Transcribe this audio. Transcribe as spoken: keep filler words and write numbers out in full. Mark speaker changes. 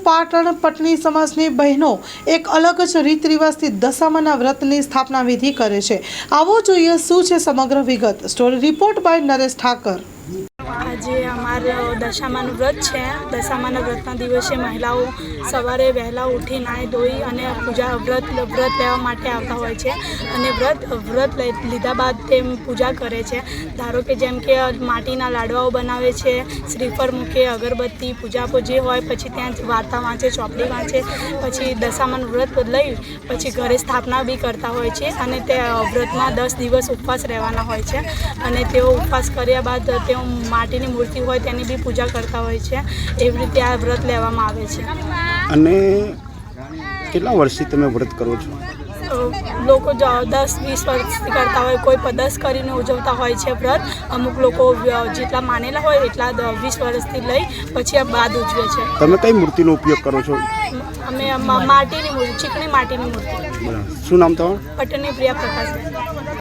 Speaker 1: પાટણ પટની સમાજની બહેનો એક અલગ જ રીત રિવાજથી દશામાના વ્રતની સ્થાપના વિધિ કરે છે। આવો જોઈએ શું છે સમગ્ર વિગત। Story report by Naresh Thakar.
Speaker 2: આજે અમારે દશામાનું વ્રત છે। દશામાના વ્રતના દિવસે મહિલાઓ સવારે વહેલા ઉઠી નાહી ધોઈ અને પૂજા વ્રત વ્રત લેવા માટે આવતા હોય છે અને વ્રત વ્રત લીધા બાદ તે પૂજા કરે છે। ધારો કે જેમ કે માટીના લાડવાઓ બનાવે છે, શ્રીફળ મૂકે, અગરબત્તી, પૂજા જે હોય, પછી ત્યાં વાર્તા વાંચે, ચોપડી વાંચે, પછી દશામાનું વ્રત લઈ પછી ઘરે સ્થાપના બી કરતા હોય છે અને તે વ્રતમાં દસ દિવસ ઉપવાસ રહેવાના હોય છે અને તેઓ ઉપવાસ કર્યા બાદ તેઓ માટીની મૂર્તિ હોય તેની બી પૂજા કરતા હોય છે। એવી રીતે આ વ્રત લેવામાં આવે છે।
Speaker 3: અને કેટલા વર્ષથી તમે વ્રત કરો છો?
Speaker 2: લોકો દસ વીસ વર્ષથી કરતા હોય, કોઈ દસ કરીને ઉજવતા હોય છે વ્રત। અમુક લોકો જેટલા માનેલા હોય એટલા વીસ વર્ષથી લઈ પછી બાદ ઉજવે છે।
Speaker 3: તમે કઈ મૂર્તિનો ઉપયોગ કરો છો?
Speaker 2: અમે માટીની મૂર્તિ, ચીકણી માટીની મૂર્તિ।
Speaker 3: શું નામ તમારું?
Speaker 2: પટની પ્રિયા પ્રકાશ।